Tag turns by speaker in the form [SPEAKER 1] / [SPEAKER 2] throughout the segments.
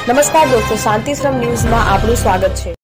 [SPEAKER 1] નમસ્કાર દોસ્તો, શાંતિશ્રમ ન્યૂઝમાં આપનું સ્વાગત છે.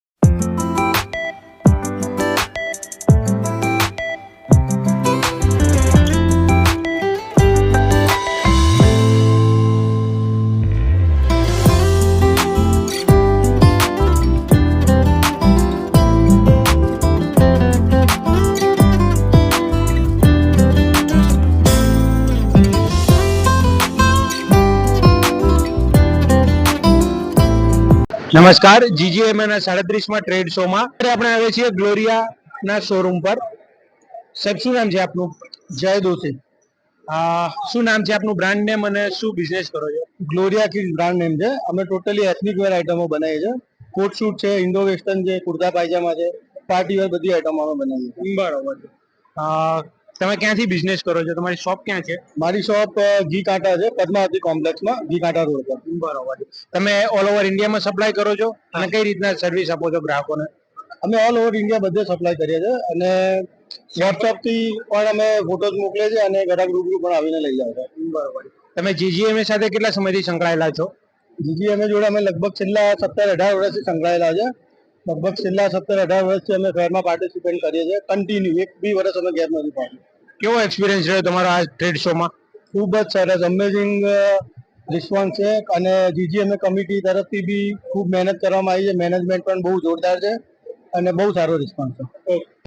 [SPEAKER 2] નમસ્કાર, જીજીએમએ ના 37માં ટ્રેડ શોમાં આપણે આવે છીએ ગ્લોરિયાના શોરૂમ પર. સાહેબ, શું નામ છે આપનું?
[SPEAKER 3] જય દોશી.
[SPEAKER 2] શું નામ છે આપનું, બ્રાન્ડ નેમ અને શું બિઝનેસ કરો છો?
[SPEAKER 3] ગ્લોરિયા કિડ્સ બ્રાન્ડ નેમ છે. અમે ટોટલી એથનિક વેર આઇટમો બનાવીએ છીએ. કોટ શૂટ છે, ઇન્ડો વેસ્ટર્ન છે, કુર્તા પાયજામા છે, પાર્ટી વેર બધી આઇટમો અમે બનાવીએ છીએ.
[SPEAKER 2] બરોબર છે. તમે ક્યાંથી બિઝનેસ કરો છો? તમારી શોપ ક્યાં છે?
[SPEAKER 3] મારી શોપ ઘી કાંટા છે, પદ્માવતી કોમ્પ્લેક્સમાં, ઘી કાંટા રોડ પર.
[SPEAKER 2] બરોબર છે. તમે ઓલ ઓવર ઇન્ડિયામાં સપ્લાય કરો છો અને કઈ રીતના સર્વિસ આપો છો ગ્રાહકોને?
[SPEAKER 3] અમે ઓલ ઓવર ઇન્ડિયા બધે સપ્લાય કરીએ છીએ અને વોટ્સઅપ થી પણ અમે ફોટોઝ મોકલીએ છીએ અને ગ્રાહક રૂબરૂ પણ આવીને લઈ જાય છે.
[SPEAKER 2] બરોબર. તમે જીજીએમએ સાથે કેટલા સમયથી સંકળાયેલા છો?
[SPEAKER 3] જીજીએમએ જોડે અમે લગભગ છેલ્લા 17-18 વર્ષથી સંકળાયેલા છે. લગભગ છેલ્લા 17-18 વર્ષથી અમે ફેરમાં પાર્ટિસિપેટ કરીએ છીએ. કન્ટિન્યુ એક બી વર્ષ અમે ગેપ નથી પાડ્યું.
[SPEAKER 2] કેવો એક્સપિરિયન્સ રહ્યો તમારો આ ટ્રેડ શોમાં?
[SPEAKER 3] ખૂબ જ સરસ, અમેઝિંગ રિસ્પોન્સ છે અને જીજીએમએ કમિટી તરફથી બી ખૂબ મહેનત કરવામાં આવી છે. મેનેજમેન્ટ પણ બહુ જોરદાર છે અને બહુ સારો રિસ્પોન્સ છે.